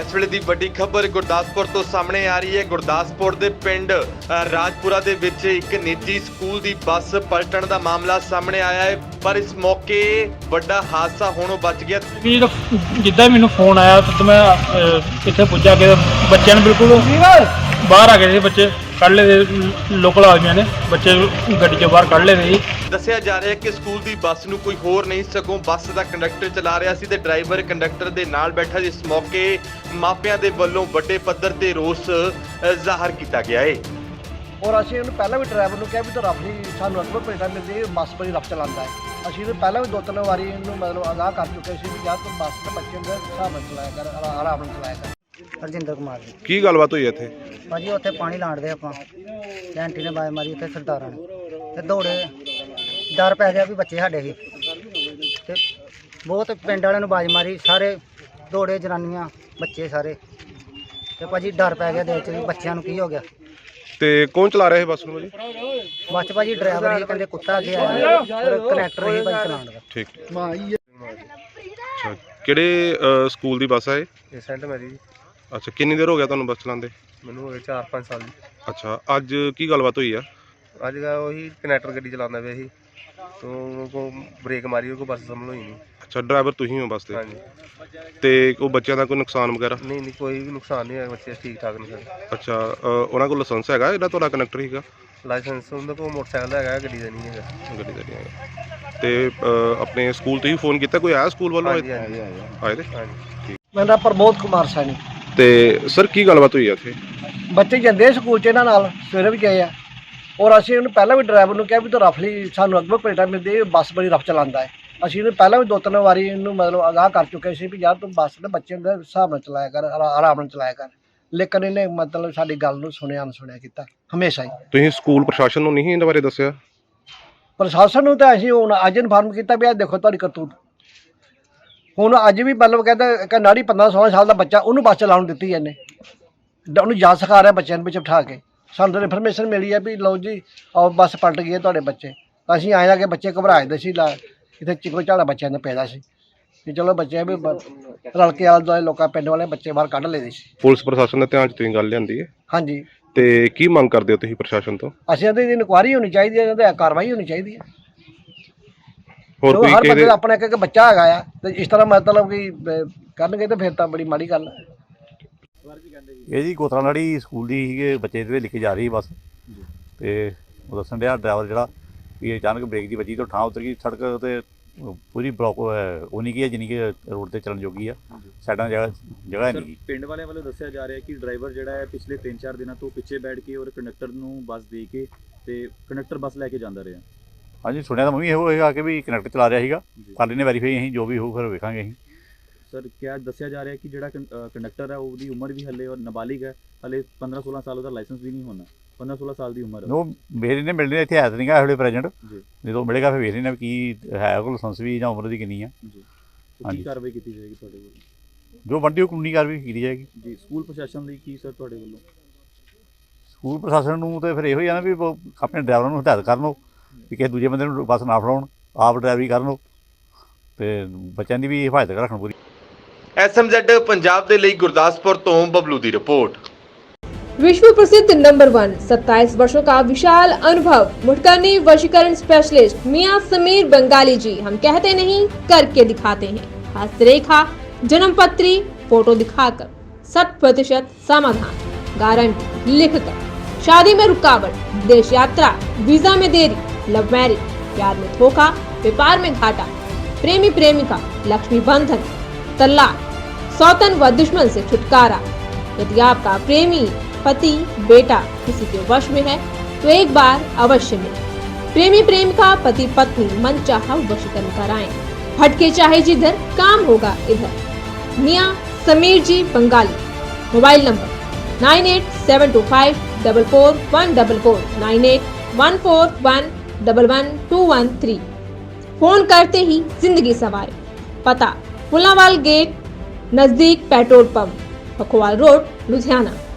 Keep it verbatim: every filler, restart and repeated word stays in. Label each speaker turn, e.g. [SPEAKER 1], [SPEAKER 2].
[SPEAKER 1] इस वेले दी वड्डी खबर गुरदासपुर तो सामने आ रही है। गुरदासपुर दे पिंड राजपुरा दे विच एक निजी स्कूल दी बस पलटण दा मामला सामने आया है, पर इस मौके वड्डा हादसा होणों बच गया।
[SPEAKER 2] जिद्दां मैनूं फोन आया तो मैं इत्थे पुज्जा के बच्चों ने बिल्कुल बाहर आ गए थे, बच्चे कढ़ ले लोकल आदमियों ने बच्चे गड्डी चों बाहर कढ़ ले थे।
[SPEAKER 1] दस्सिया जा रहा है कि स्कूल दी बस नूं कोई होर नहीं सगों बस दा कंडक्टर चला रहा सी ते ड्राइवर कंडक्टर दे नाल बैठा। जिस मौके मापियां दे वल्लों वड्डे पੱਧਰ ते रोस ਜ਼ਾਹਰ ਕੀਤਾ ਗਿਆ है।
[SPEAKER 3] और ਅਸੀਂ ਉਹਨੂੰ ਪਹਿਲਾਂ ਵੀ ਡਰਾਈਵਰ ਨੂੰ ਕਿਹਾ ਵੀ ਤੂੰ ਰੱਫ ਨਹੀਂ ਸਾਨੂੰ ਅਕਬਰ ਪਲੇਟਾਂ ਮਿਲਦੀ ਬੱਸ ਬੜੀ ਰੱਫ ਚਲਾਉਂਦਾ ਹੈ। ਅਸੀਂ ਉਹਨੂੰ ਪਹਿਲਾਂ ਵੀ ਦੋ ਤਿੰਨ ਵਾਰੀ ਇਹਨੂੰ ਮਤਲਬ ਅਗਾਹ ਕਰ ਚੁੱਕੇ ਸੀ ਵੀ ਯਾਰ ਤੂੰ ਬੱਸ ਤੇ ਬੱਚੇ ਦੇ ਹਿਸਾਬ ਨਾਲ ਚਲਾਇਆ ਕਰ, ਆਰਾਮ ਨਾਲ ਚਲਾਇਆ ਕਰ।
[SPEAKER 4] ਹਰਜਿੰਦਰ ਕੁਮਾਰ ਜੀ।
[SPEAKER 5] ਕੀ ਗੱਲਬਾਤ ਹੋਈ ਇੱਥੇ?
[SPEAKER 4] ਭਾਜੀ ਉੱਥੇ ਪਾਣੀ ਲਾਣਦੇ ਆਪਾਂ ਕੈਂਟੀ ਨੇ ਬਾਜ ਮਾਰੀ ਉੱਥੇ ਸਰਦਾਰਾਂ ਨੇ ਤੇ ਦੌੜੇ ਡਰ ਪੈ ਗਿਆ ਵੀ ਬੱਚੇ ਸਾਡੇ ਸੀ ਤੇ ਬਹੁਤ ਪਿੰਡ ਵਾਲਿਆਂ ਨੂੰ ਬਾਜ ਮਾਰੀ, ਸਾਰੇ ਦੌੜੇ ਜਨਾਨੀਆਂ ਬੱਚੇ ਸਾਰੇ ਤੇ ਭਾਜੀ ਡਰ ਪੈ ਗਿਆ ਦਿਲ 'ਚ ਵੀ ਬੱਚਿਆਂ ਨੂੰ ਕੀ ਹੋ ਗਿਆ।
[SPEAKER 5] ਤੇ ਕੌਣ ਚਲਾ ਰਿਹਾ ਹੈ ਬੱਸ ਨੂੰ ਜੀ?
[SPEAKER 4] ਬੱਸ 'ਚ ਭਾਜੀ ਡਰਾਈਵਰ ਹੀ ਕਹਿੰਦੇ ਕੁੱਤਾ ਅੱਗੇ ਆਇਆ ਪਰ ਕਨੈਕਟਰ ਹੀ ਭਾਜੀ ਚਲਾਉਣ ਦਾ।
[SPEAKER 5] ਠੀਕ ਅੱਛਾ, ਕਿਹੜੇ ਅ, ਸਕੂਲ ਦੀ ਬੱਸ ਹੈ ਇਹ?
[SPEAKER 6] ਇਹ ਸੈਂਟ ਮੈਰੀ ਜੀ।
[SPEAKER 5] ਅੱਛਾ, ਕਿੰਨੀ ਦੇਰ ਹੋ ਗਿਆ ਤੁਹਾਨੂੰ ਬੱਸ ਚਲਾਉਂਦੇ?
[SPEAKER 6] ਮੈਨੂੰ ਹੋ ਗਏ ਚਾਰ ਪੰਜ ਸਾਲ ਜੀ।
[SPEAKER 5] ਅੱਛਾ, ਅੱਜ ਕੀ ਗੱਲਬਾਤ ਹੋਈ ਆ?
[SPEAKER 6] ਅੱਜ ਦਾ ਉਹੀ ਕਨੈਕਟਰ ਗੱਡੀ ਚਲਾਉਂਦਾ ਪਿਆ ਸੀ ਤੋਂ ਕੋ ਬ੍ਰੇਕ ਮਾਰੀ, ਉਹ ਕੋ ਬੱਸ ਸੰਭਲ ਹੋਈ ਨਹੀਂ।
[SPEAKER 5] ਅੱਛਾ, ਡਰਾਈਵਰ ਤੁਸੀਂ ਹੋ ਬੱਸ ਦੇ?
[SPEAKER 6] ਹਾਂਜੀ।
[SPEAKER 5] ਤੇ ਉਹ ਬੱਚਿਆਂ ਦਾ ਕੋਈ ਨੁਕਸਾਨ ਵਗੈਰਾ?
[SPEAKER 6] ਨਹੀਂ ਨਹੀਂ ਕੋਈ ਵੀ ਨੁਕਸਾਨ ਨਹੀਂ ਹੋਇਆ, ਬੱਚੇ ਠੀਕ ਠਾਕ ਨੇ ਸਾਰੇ।
[SPEAKER 5] ਅੱਛਾ, ਅ, ਉਹਨਾਂ ਕੋਲ ਲਾਇਸੈਂਸ ਹੈਗਾ ਜਿਹੜਾ ਤੁਹਾਡਾ ਕੰਡਕਟਰ ਸੀਗਾ?
[SPEAKER 6] ਲਾਇਸੈਂਸ ਉਹਨਾਂ ਕੋਲ ਮੋਟਰਸਾਈਕਲ ਹੈਗਾ, ਗੱਡੀ ਦਾ ਨਹੀਂ ਹੈਗਾ।
[SPEAKER 5] ਗੱਡੀ ਦਾ ਨਹੀਂ ਹੈਗਾ। ਤੇ ਅ, ਆਪਣੇ ਸਕੂਲ ਤੁਸੀਂ ਫੋਨ ਕੀਤਾ, ਕੋਈ ਆਇਆ ਸਕੂਲ ਵੱਲੋਂ?
[SPEAKER 6] ਹਾਂਜੀ ਹਾਂਜੀ
[SPEAKER 5] ਆਏ ਤੇ?
[SPEAKER 6] ਹਾਂਜੀ।
[SPEAKER 3] ਮੇਰਾ ਨਾਮ ਪ੍ਰਮੋਦ ਕੁਮਾਰ ਸੈਣੀ।
[SPEAKER 5] ਤੇ ਸਰ ਕੀ ਗੱਲਬਾਤ ਹੋਈ ਆ ਇੱਥੇ?
[SPEAKER 3] ਬੱਚੇ ਜਾਂਦੇ ਆ ਸਕੂਲ 'ਚ ਇਹਨਾਂ ਨਾਲ, ਸਵੇਰੇ ਵੀ ਗਏ ਆ। ਔਰ ਅਸੀਂ ਉਹਨੂੰ ਪਹਿਲਾਂ ਵੀ ਡਰਾਈਵਰ ਨੂੰ ਕਿਹਾ ਵੀ ਤੂੰ ਰੱਫ ਲਈ ਸਾਨੂੰ ਅਕਬਰ ਪਲੇਟਾਂ ਮਿਲਦੀ ਬੱਸ ਬੜੀ ਰੱਫ ਚਲਾਉਂਦਾ ਹੈ। ਅਸੀਂ ਉਹਨੂੰ ਪਹਿਲਾਂ ਵੀ ਦੋ ਤਿੰਨ ਵਾਰੀ ਇਹਨੂੰ ਮਤਲਬ ਅਗਾਹ ਕਰ ਚੁੱਕੇ ਸੀ ਵੀ ਯਾਰ ਤੂੰ ਬੱਸ ਦੇ ਬੱਚੇ ਦੇ ਹਿਸਾਬ ਨਾਲ ਚਲਾਇਆ ਕਰ, ਆਰਾਮ ਨਾਲ ਚਲਾਇਆ ਕਰ। ਲੇਕਿਨ ਇਹਨੇ ਮਤਲਬ ਸਾਡੀ ਗੱਲ ਨੂੰ ਸੁਣਿਆ ਅਣਸੁਣਿਆ ਕੀਤਾ ਹਮੇਸ਼ਾ ਹੀ।
[SPEAKER 5] ਤੁਸੀਂ ਸਕੂਲ ਪ੍ਰਸ਼ਾਸਨ ਨੂੰ ਨਹੀਂ ਇਹਨਾਂ ਬਾਰੇ ਦੱਸਿਆ?
[SPEAKER 3] ਪ੍ਰਸ਼ਾਸਨ ਨੂੰ ਤਾਂ ਅਸੀਂ ਹੁਣ ਅੱਜ ਇਨਫਾਰਮ ਕੀਤਾ ਵੀ ਆਹ ਦੇਖੋ ਤੁਹਾਡੀ ਕਰਤੂਤ। ਹੁਣ ਅੱਜ ਵੀ ਮਤਲਬ ਕਹਿੰਦਾ ਕਿ ਨਾੜੀ ਪੰਦਰਾਂ ਸੋਲਾਂ ਸਾਲ ਦਾ ਬੱਚਾ ਉਹਨੂੰ ਬੱਸ ਚਲਾਉਣ ਦਿੱਤੀ ਇਹਨੇ, ਉਹਨੂੰ ਜਾ ਸਿਖਾ ਰਿਹਾ ਬੱਚਿਆਂ ਨੂੰ ਵਿੱਚ ਬਿਠਾ ਕੇ। ਸਾਨੂੰ ਤਾਂ ਇਨਫੋਰਮੇਸ਼ਨ ਮਿਲੀ ਹੈ ਵੀ ਲਓ ਜੀ ਆਓ ਬੱਸ ਪਲਟ ਗਈ ਹੈ ਤੁਹਾਡੇ ਬੱਚੇ। ਅਸੀਂ ਆਏ ਆ ਕਿ ਬੱਚੇ ਘਬਰਾਏ ਸੀ, ਲਾ ਇੱਥੇ ਚਿਕੋ ਝਾੜਾ ਬੱਚਿਆਂ ਦਾ ਪੈਦਾ ਸੀ ਵੀ ਚਲੋ ਬੱਚੇ ਵੀ ਰਲ ਕੇ ਆਲੇ ਦੁਆਲੇ ਲੋਕਾਂ ਪਿੰਡ ਵਾਲੇ ਬੱਚੇ ਬਾਹਰ ਕੱਢ ਲਏ ਸੀ।
[SPEAKER 5] ਪੁਲਿਸ ਪ੍ਰਸ਼ਾਸਨ ਦੇ ਧਿਆਨ 'ਚ ਤੁਸੀਂ ਗੱਲ ਲਿਆਂਦੀ ਹੈ?
[SPEAKER 3] ਹਾਂਜੀ।
[SPEAKER 5] ਤੇ ਕੀ ਮੰਗ ਕਰਦੇ ਹੋ ਤੁਸੀਂ ਪ੍ਰਸ਼ਾਸਨ ਤੋਂ?
[SPEAKER 3] ਅਸੀਂ ਇਹਦੀ ਇਨਕੁਆਇਰੀ ਹੋਣੀ ਚਾਹੀਦੀ ਹੈ, ਇਹਦੇ ਕਾਰਵਾਈ ਹੋਣੀ ਚਾਹੀਦੀ ਹੈ।
[SPEAKER 5] ਹੋਰ ਕੋਈ
[SPEAKER 3] ਹਰ ਬੰਦੇ
[SPEAKER 5] ਕਿਹਦੇ?
[SPEAKER 3] ਦਾ ਆਪਣਾ ਇੱਕ ਇੱਕ ਬੱਚਾ ਹੈਗਾ ਆ ਤੇ ਇਸ ਤਰ੍ਹਾਂ ਮਤਲਬ ਕਿ ਅਹ, ਕਰਨਗੇ ਤੇ ਫਿਰ ਤਾਂ ਬੜੀ ਮਾੜੀ ਗੱਲ ਹੈ।
[SPEAKER 7] ਇਹ ਜੀ ਕੋਤਰਾਨਾੜੀ ਸਕੂਲ ਦੀ ਸੀਗੇ ਬੱਚੇ ਇਹਦੇ ਲਿਖ ਕੇ ਜਾ ਰਹੀ ਬੱਸ ਤੇ ਉਹ ਦੱਸਣ ਡਿਆ ਡਰਾਈਵਰ ਜਿਹੜਾ ਵੀ ਅਚਾਨਕ ਬ੍ਰੇਕ ਦੀ ਵੱਜੀ ਤੋਂ ਠਾਂ ਉਤਰ ਗਈ। ਸੜਕ ਤੇ ਪੂਰੀ ਬਲੌਕ ਉਨੀ ਕੀ ਹੈ ਜਿੰਨੀ ਕਿ ਰੋਡ ਤੇ ਚੱਲਣ ਜੋਗੀ ਆ, ਸਾਈਡਾਂ ਜਗ੍ਹਾ ਜਗ੍ਹਾ ਨਹੀਂ।
[SPEAKER 8] ਪਿੰਡ ਵਾਲਿਆਂ ਵੱਲੋਂ ਦੱਸਿਆ ਜਾ ਰਿਹਾ ਕਿ ਡਰਾਈਵਰ ਜਿਹੜਾ ਹੈ ਪਿਛਲੇ ਤਿੰਨ ਚਾਰ ਦਿਨਾਂ ਤੋਂ ਪਿੱਛੇ ਬੈਠ ਕੇ ਔਰ ਕੰਡਕਟਰ ਨੂੰ ਬੱਸ ਦੇ ਕੇ ਤੇ ਕੰਡਕਟਰ ਬੱਸ ਲੈ ਕੇ ਜਾਂਦਾ ਰਿਹਾ।
[SPEAKER 7] ਹਾਂਜੀ, ਸੁਣਿਆ ਤਾਂ ਮੈਂ ਵੀ ਇਹੋ ਹੋਏਗਾ ਕਿ ਵੀ ਕਨੈਕਟਰ ਚਲਾ ਰਿਹਾ ਸੀਗਾ। ਕਰ ਲੈਣੇ ਵੈਰੀਫਾਈ ਅਸੀਂ, ਜੋ ਵੀ ਹੋਊ ਫਿਰ ਵੇਖਾਂਗੇ ਅਸੀਂ।
[SPEAKER 8] ਸਰ ਕਿਆ ਦੱਸਿਆ ਜਾ ਰਿਹਾ ਕਿ ਜਿਹੜਾ ਕੰਡਕਟਰ ਹੈ ਉਹਦੀ ਉਮਰ ਵੀ ਹਲੇ ਔਰ ਨਾਬਾਲਿਗ ਹੈ, ਹਲੇ ਪੰਦਰਾਂ ਸੋਲਾਂ ਸਾਲ ਉਹਦਾ ਲਾਇਸੈਂਸ ਵੀ ਨਹੀਂ ਹੋਣਾ। ਪੰਦਰਾਂ ਸੋਲਾਂ ਸਾਲ ਦੀ ਉਮਰ ਹੈ
[SPEAKER 7] ਉਹ ਮੇਰੇ ਨੇ ਮਿਲਣੇ ਇੱਥੇ ਹੈ ਤਾਂ ਨਹੀਂਗਾ ਇਹੋ ਪ੍ਰੈਜੈਂਟ, ਜਦੋਂ ਮਿਲੇਗਾ ਫਿਰ ਵੇਖ ਲੈਣਾ ਵੀ ਕੀ ਹੈ ਉਹ ਲਾਇਸੈਂਸ ਵੀ ਜਾਂ ਉਮਰ ਦੀ ਕਿੰਨੀ ਆ।
[SPEAKER 8] ਜੀ, ਕੀ ਕਾਰਵਾਈ ਕੀਤੀ ਜਾਏਗੀ ਤੁਹਾਡੇ ਵੱਲੋਂ?
[SPEAKER 7] ਜੋ ਬਣਦੀ ਉਹ ਕਾਨੂੰਨੀ ਕਾਰਵਾਈ ਕੀਤੀ ਜਾਏਗੀ
[SPEAKER 8] ਜੀ। ਸਕੂਲ ਪ੍ਰਸ਼ਾਸਨ ਲਈ ਕੀ ਸਰ ਤੁਹਾਡੇ ਵੱਲੋਂ?
[SPEAKER 7] ਸਕੂਲ ਪ੍ਰਸ਼ਾਸਨ ਨੂੰ ਤਾਂ ਫਿਰ ਇਹੋ ਹੀ ਆ ਨਾ ਵੀ ਉਹ ਆਪਣੇ ਡਰਾਈਵਰਾਂ ਨੂੰ ਹਦਾਇਤ ਕਰਨ ਉਹ ਵੀ ਕਿਸੇ ਦੂਜੇ ਬੰਦੇ ਨੂੰ ਬੱਸ ਨਾ ਫੜਾਉਣ, ਆਪ ਡਰਾਈਵਰੀ ਕਰਨ ਉਹ ਤੇ ਬੱਚਿਆਂ ਦੀ ਵੀ ਹਿਫਾਜ਼ਤ ਰੱਖਣ ਪੂਰੀ।
[SPEAKER 1] ਐਸ ਐਮ ਜ਼ੈਡ ਪੰਜਾਬ ਦੇ ਲਈ गुरदासपुर तो बबलू की रिपोर्ट।
[SPEAKER 9] विश्व प्रसिद्ध नंबर वन सत्ताईस वर्षों का विशाल अनुभव मुठकरनी वशीकरण स्पेशलिस्ट मियां समीर बंगाली जी। हम कहते नहीं करके दिखाते हैं। हस्तरेखा, जन्म पत्री, फोटो दिखाकर शत प्रतिशत समाधान, गारंटी लिखकर। शादी में रुकावट, विदेश यात्रा, वीजा में देरी, लव मैरिज, प्यार में धोखा, व्यापार में घाटा, प्रेमी प्रेमिका, लक्ष्मी बंधन, तलाक, सौतन व दुश्मन से छुटकारा। यदि आपका प्रेमी, पति, बेटा किसी के वश में है तो एक बार अवश्य मिले। प्रेमी प्रेमिका, पति पत्नी मनचाहा वशीकरण कराएं। भटके चाहे जिधर, काम होगा इधर। मियां Sameer ji Bengali. Mobile number nine eight seven two five double four one double four, nine eight one four one double one two one three. Phone करते ही जिंदगी सवारे। पता पुलावाल गेट नजदीक petrol pump, Pakhowal road, Ludhiana.